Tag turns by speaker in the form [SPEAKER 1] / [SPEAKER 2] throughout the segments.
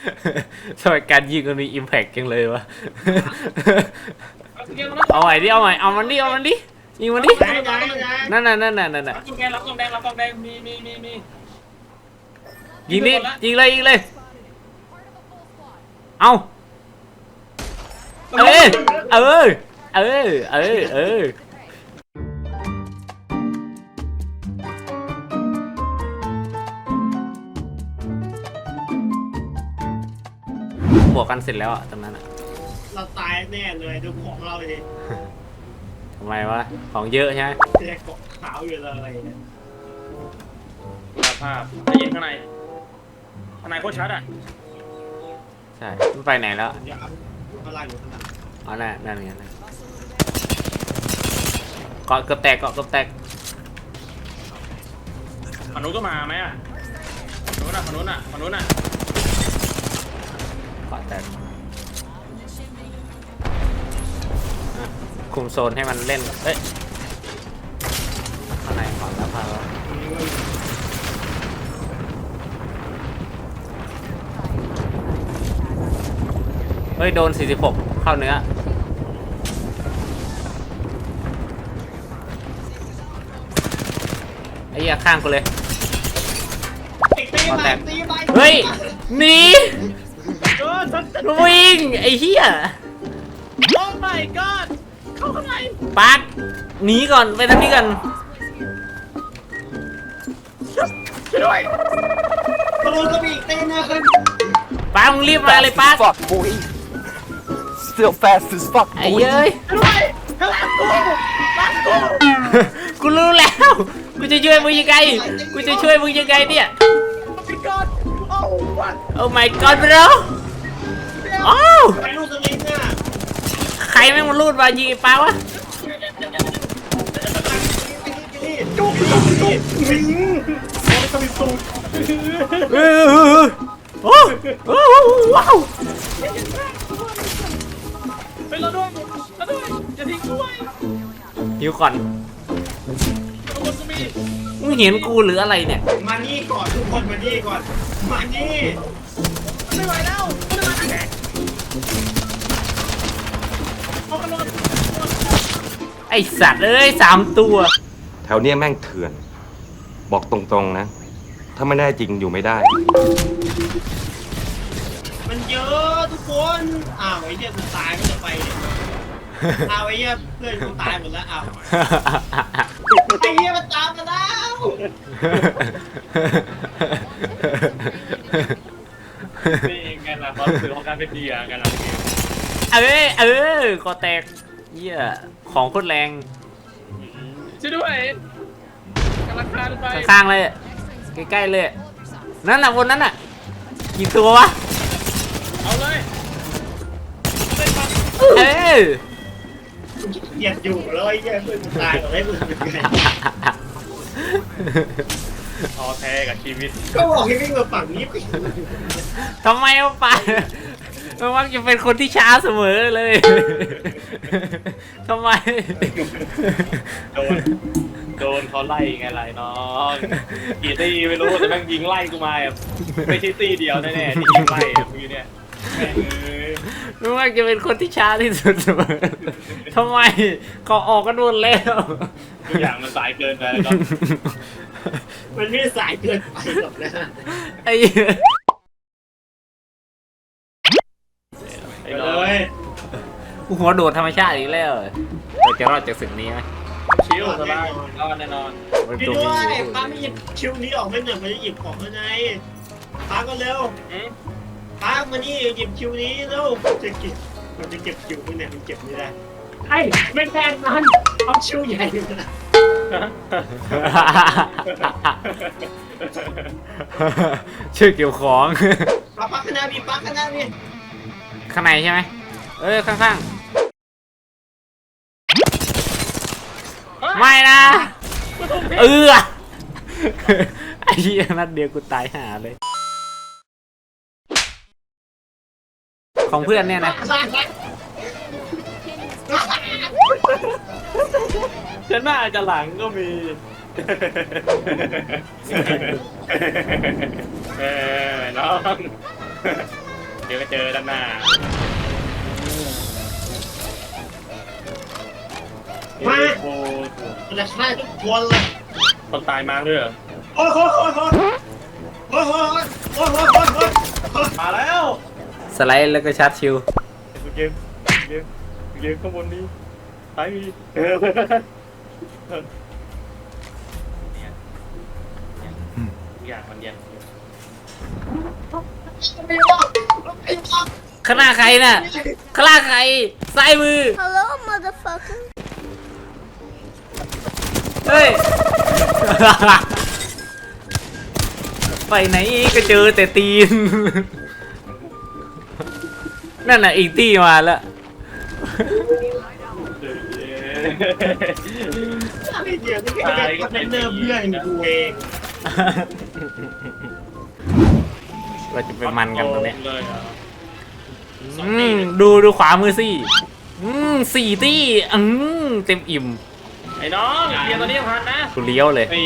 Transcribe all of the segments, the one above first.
[SPEAKER 1] ทำไมการยิงมันมีอิมแพกจังเลยวะเอาใหม่ดิเอาใหม่เอามันดิเอามันดิยิงมันดินั่นน่ะ
[SPEAKER 2] รับกองแดงรับกองแดงรับกองแดงมี
[SPEAKER 1] ยิงดิยิงเลยเอาบวกกันเสร็จแล้วอะตรงนั้นอะ
[SPEAKER 3] เราตายแน่เลยดูของเราเลย
[SPEAKER 1] ทำไมวะของเยอะใช่ไหม
[SPEAKER 3] แค่เกาะขาวอยู่เลยเนี่ย
[SPEAKER 2] ภาพได้ยินข้างในโคตรชัดอ่ะ
[SPEAKER 1] ใช่มันไปไหนแล้ว
[SPEAKER 3] อย่าข้างล่างอยู่ข้างล่าง
[SPEAKER 1] อ๋อนั่นไงนะเกาะเกือบแตก
[SPEAKER 2] ฝั่งนู้นก็มาไหมอ่ะฝั่งนู้นอ่ะ
[SPEAKER 1] เกาะแตกคุมโซนให้มันเล่นเอ้ยข้างในก่อนแล้วพาแล้วเฮ้ยโดน46เข้าเนื้อไอ้เหี้ยข้างกูเลยเฮ้ยหนีวิ่งไอ้เหี้ย
[SPEAKER 2] โอ้ my god เข้าข้างใน
[SPEAKER 1] ปักหนีก่อนไปทางนี้กัน
[SPEAKER 2] ช่วยด้วย
[SPEAKER 3] กระโดดก็มีอีกเต้นนะครับ
[SPEAKER 1] ปักมึงรีบมาเลยปัก
[SPEAKER 4] fuck, boy. Still fast as fuck,
[SPEAKER 1] ไอ้
[SPEAKER 4] boy.
[SPEAKER 1] เย้ย
[SPEAKER 2] ช่วยด้วยข้างหลังกู
[SPEAKER 1] กูรู้แล้วกูจะช่วยมึงยังไงเนี่ย
[SPEAKER 2] พี่กอดโอ้วัด
[SPEAKER 1] โอ้ my god bro อ้าว
[SPEAKER 3] ไปลูกสลิงน่ะ
[SPEAKER 1] ใครแม่งมันรูดมายิงไอ้ปักวะ
[SPEAKER 2] จุก
[SPEAKER 1] เออโอ้ว้าว
[SPEAKER 2] เป็นเราด้วยอย่าทิ้งด้วย
[SPEAKER 1] หิวก่อน
[SPEAKER 2] ข้างบนก็มี
[SPEAKER 1] มึงเห็นกูหรืออะไรเนี่ย
[SPEAKER 3] มานี่ก่อนทุกคนมานี่ก่อนมานี่
[SPEAKER 2] ไม่ไหวแล้วไม่ไหวเอากันลง
[SPEAKER 1] ไอสัตว์เอ้ย3 ตัว
[SPEAKER 4] แถวเนี้ยแม่งเถื่อน บอกตรงๆนะ ถ้าไม่ได้จริงอยู่ไม่ได้
[SPEAKER 3] มันเยอะทุกคนอ้าวไอ้เนี่ยกูตายก็จะไปเนี่ยอ้าวไอ้เนี่ยเพื่อนกูตายหมดแล้วอ้าวไอ้เนี่ยมันตามมาแล้ว
[SPEAKER 2] นี่ไงล่ะความรู้สึกของการเป็นเดียกันล่ะ
[SPEAKER 1] คอแตกเหี้ยของโคตรแรง
[SPEAKER 2] ช่วยด้วยกำลังคานไป
[SPEAKER 1] ข้างๆเลยใกล้ๆเลยนั่นน่ะบนนั้นน่ะกี่ตัววะ
[SPEAKER 2] เอาเลย
[SPEAKER 1] เอ้ย
[SPEAKER 3] เหยียดอยู่แล้วไอ้เนี่ยเพื่อนกูตายหมดแล้วมึงเป็นไง
[SPEAKER 2] ท้อแท้กับชีวิต
[SPEAKER 3] ก็บอกให้วิ่งมาฝั่งนี้
[SPEAKER 1] ทำไมวะปะมันมักจะเป็นคนที่ช้าเสมอเลยทำไม
[SPEAKER 2] โดนเขาไล่ไงไรน้องกี่ตีไม่รู้แต่แม่งยิงไล่กูมาแบบไม่ใช่ตีเดียวแน่ๆที่ยิงไล่อะมึงเนี่ยแม่ง
[SPEAKER 1] มันมักจะเป็นคนที่ช้าที่สุดเสมอทำไมเขาออกกันหมดแล้ว
[SPEAKER 2] ทุกอย่างมันสายเกินไปแล้ว
[SPEAKER 3] มันไม่ได้สายเกินไปหรอกนะ
[SPEAKER 1] ไอ้เหี้ย
[SPEAKER 2] ไอ้
[SPEAKER 3] ไป
[SPEAKER 2] น้
[SPEAKER 3] เล
[SPEAKER 2] อย
[SPEAKER 3] ย
[SPEAKER 1] กูหัวโดดธรรมชาติอีกแล้วเราจะรอดจากศึกนี้ไหม
[SPEAKER 2] ชิวสบายรอดแน่นอน
[SPEAKER 1] มัน
[SPEAKER 3] พี่
[SPEAKER 1] ตัว
[SPEAKER 3] ด้ว
[SPEAKER 1] มี
[SPEAKER 3] ยป้าไม่หยิบคิวนี้ออกไม่หน่อยมันจะหยิบของข้างในป้าก็เร็วป้ามานี่หยิบคิวนี้เร็วมันจะเก็บคิวข้างในมันเก็บไม่ได้ไอ้ไม่แพงนั้นเอาคิวใหญ่เลยนะ
[SPEAKER 1] ชื่อเกี่ยวของ
[SPEAKER 3] ป้าข้างหน้ามีป้าข้างหน้ามี
[SPEAKER 1] ข้างในใช่ไหมข้างๆไม่นะไอ้เหี้ยนัดเดียวกูตายห่าเลย ของเพื่อนเนี่ยนะ
[SPEAKER 2] จะหน้าจะหลังก็มีน้องดี๋ยวก็เจอด้านหน้า
[SPEAKER 3] มา
[SPEAKER 2] โอ้
[SPEAKER 3] มันจะฆ่าทุกคนเลย
[SPEAKER 2] คนตายมาด้วยเหรอ
[SPEAKER 3] โอ้โห
[SPEAKER 2] มาแล้ว
[SPEAKER 1] สไลด์แล้วก็ชาร์จชิว
[SPEAKER 2] เกมข้างบนนี้ไปอย่างมันยัง
[SPEAKER 1] ข้างหน้าใครน่ะข้างหน้าใครซ้ายมือ
[SPEAKER 5] Hello, motherfucker.
[SPEAKER 1] เฮ้ย ไปไหนก็เจอแต่ตีน นั่นน่ะอีกที่มาแล้ว
[SPEAKER 3] ไอ้เหี้ยนี่แค่คอนเทนเนอร์เพื่อนกูเอง
[SPEAKER 1] เราจะไปมันกันตรงเนี้ย
[SPEAKER 2] เลยเหรอ
[SPEAKER 1] ดูขวามือสิสี่ตี้เต็มอิ่ม
[SPEAKER 2] ไอ้น้องเกียร์ตัวนี้พันนะ
[SPEAKER 1] กูเลี้ยวเลย
[SPEAKER 2] ไอ้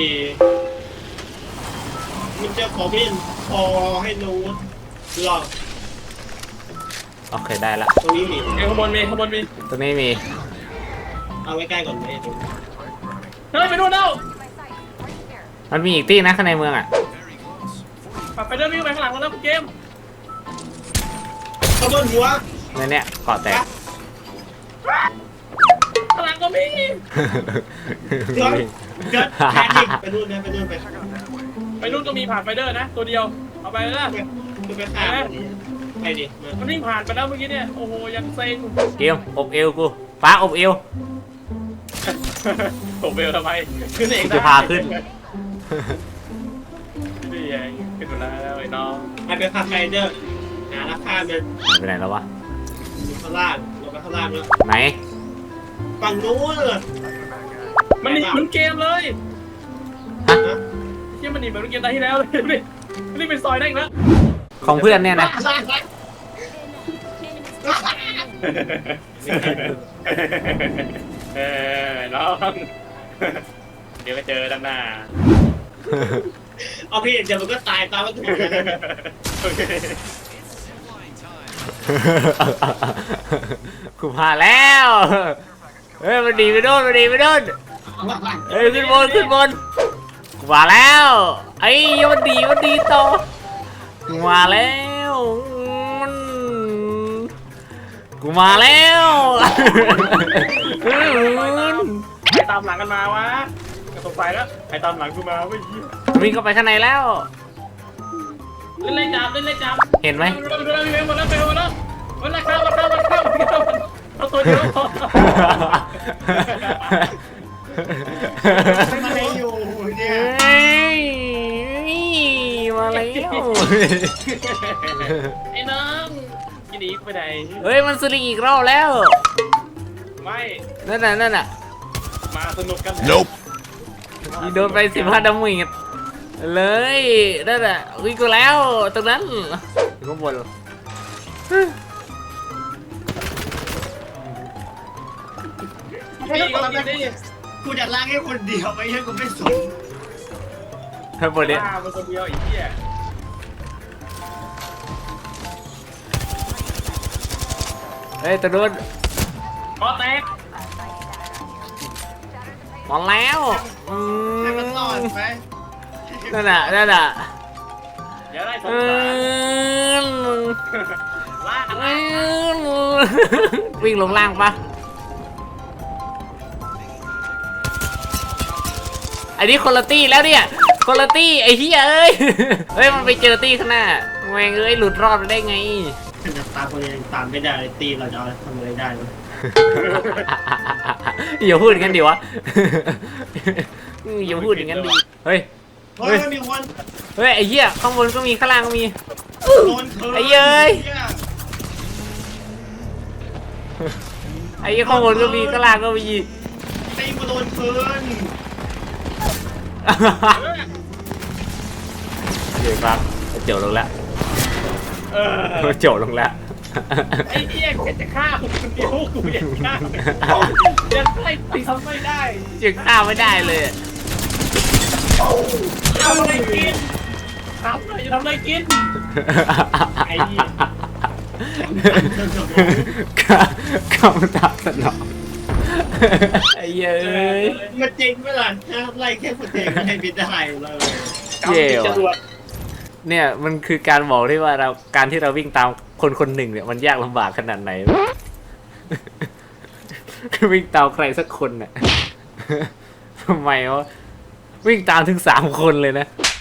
[SPEAKER 3] มันจะขอพี่พอให้นู้นหรอ
[SPEAKER 1] โอเคได้ละ
[SPEAKER 3] ตรงนี้มี
[SPEAKER 2] ข้างบนมี
[SPEAKER 1] ตรงนี้มี
[SPEAKER 3] เอาไว้ใกล้ก่อนไหม
[SPEAKER 2] เฮ้ยไปนู่นแล้ว
[SPEAKER 1] มันมีอีกตี้นะข้างในเมืองอ่ะ
[SPEAKER 2] ไปเดินวิ่งไปข้างหลังแล้วเกม
[SPEAKER 3] ขบวนหัว
[SPEAKER 1] ในเนี้ยเกาะแตก
[SPEAKER 2] ข้างหลังก็มี
[SPEAKER 3] เกิดแพนิคไปนู่นนะไปนู่นไป
[SPEAKER 2] ไปนู่นก็มีผ่านไฟเดอร์นะตัวเดียวเอาไปเลยนะ
[SPEAKER 3] ไปข้ามไปดิ
[SPEAKER 2] มันวิ่งผ่านไปแล้วเมื่อกี้เนี่ยโอ้โหยังเซ็ง
[SPEAKER 1] เกมอบเอวกูฟ้าอบเอว
[SPEAKER 2] ผมเบลทำไมขึ้นเอง
[SPEAKER 1] จะพาขึ้น
[SPEAKER 2] นี่เองขึ้นมาแล้วไอ้น้อง
[SPEAKER 3] ไปข้ามไปเด้อหาราคามัน
[SPEAKER 1] ไปไหนแล้ววะ
[SPEAKER 3] อยู่ข้างล่างลงไปข้างล่างแล้ว
[SPEAKER 1] ไหน
[SPEAKER 3] ฝั่งนู้นเลย
[SPEAKER 2] มันหนีเหมือนเกมเลย
[SPEAKER 1] ฮะ
[SPEAKER 2] เชี่ยมันหนีเหมือนเกมตาที่แล้วเลยนี่เป็นซอยได้อีกแล้ว
[SPEAKER 1] ของเพื่อนเนี่ยนะ
[SPEAKER 2] น้องเดี๋ยวก็เจอด้านหน้า
[SPEAKER 3] เอาพี่เดี๋ยวมันก็ตายตามวัตถุ
[SPEAKER 1] กูพาแล้ว เฮ้ยมันดีไปโดนเฮ้ยขึ้นบนกูมาแล้วไอ้มันดีต่อกูมาแล้ว
[SPEAKER 2] ใครตามหลังกันมาวะกระตกไฟแล้วใครตามหลังกูมาไม่ยี่
[SPEAKER 1] วิ่งเข้าไปข้างในแล้ว
[SPEAKER 2] เล่นเลยจับ
[SPEAKER 1] เห็นไหม
[SPEAKER 2] หมดแล้วเอาตัวเดียวพอ
[SPEAKER 3] มันไม่อยู่เนี่ย
[SPEAKER 1] เฮ้ยมาแล้ว
[SPEAKER 2] ไอ้น้องกินอีกไปไหน
[SPEAKER 1] เฮ้ยมันสลิงอีกรอบแล้ว
[SPEAKER 2] ไม่
[SPEAKER 1] นั่นน่ะ
[SPEAKER 2] มาสนุกกัน
[SPEAKER 1] ยิงโดนไป15 ดาเมจเลยนั่นน่ะวิ่งกูแล้วตรงนั้นข้างบน
[SPEAKER 2] นี่ก็กินดิ
[SPEAKER 3] กูจะล้างให้คนเดียวไม่ใช่กูไม่สน
[SPEAKER 1] ข้างบนเนี่ย
[SPEAKER 2] บ้ามันคนเดียวอีกเหี้ย
[SPEAKER 1] เฮ้ยตัวนู้น
[SPEAKER 2] คอแตก
[SPEAKER 1] มาแล้วอื
[SPEAKER 3] ให้มันรอดไป
[SPEAKER 1] นั่นน่ะ
[SPEAKER 2] อย่าได้สง
[SPEAKER 1] อื
[SPEAKER 2] สาร
[SPEAKER 1] ม
[SPEAKER 2] ล่า
[SPEAKER 1] วิ่งลงล่างปะไอ้นี่คนละตี้แล้วเนี่ยคนละตี้ไอ้เหี้ยเอ้ยเฮ้ยมันไปเจอตี้ข้างหน้าแม่งเอ้ยหลุดรอดได้ไง
[SPEAKER 3] จะตามคนยังตามไม่ได้เลยตีเราจะเอาทำอะไรได้ไหม
[SPEAKER 1] อย่าพูดอย่างนั้นดิวะอย่าพูดอย่างนั้นดิเฮ้ย
[SPEAKER 3] เฮ้ยมีคน
[SPEAKER 1] เฮ้ยไอ้เหี้ยข้างบนก็มีข้างล่างก็มี
[SPEAKER 3] โดนเธอ
[SPEAKER 1] ไอ้เย้ย ไอ้เหี้ยข้างบนก็มีข้างล่างก็มี
[SPEAKER 3] ตีมาโดนเธอ
[SPEAKER 1] เดี๋ยวครับเจียวลงแล้ว
[SPEAKER 2] เออ
[SPEAKER 1] เจียวลงแล้ว
[SPEAKER 2] ไอ้เหี้ยแกจะฆ่าผมคนเดียวกูอยากฆ่ายังไล่ตีทำไม่ได้
[SPEAKER 1] จึงฆ่าไม่ได้เลย
[SPEAKER 2] ทำอะไรกินทำอะไรกินไอ้เหี้ย
[SPEAKER 1] คำตอบสนองไอ้เย้ย
[SPEAKER 3] มันจริงไหมล่ะไล่แค่คนเองไม่ไม่ได้เลย
[SPEAKER 1] เย่
[SPEAKER 2] จรว
[SPEAKER 1] ว่ะ
[SPEAKER 2] ด
[SPEAKER 1] เนี่ยมันคือการบอกที่ว่าการที่เราวิ่งตามคนคนหนึ่งเนี่ยมันยากลำบากขนาดไหน วิ่งตามใครสักคนเนี่ยทำไมวะวิ่งตามถึง3 คนเลยนะ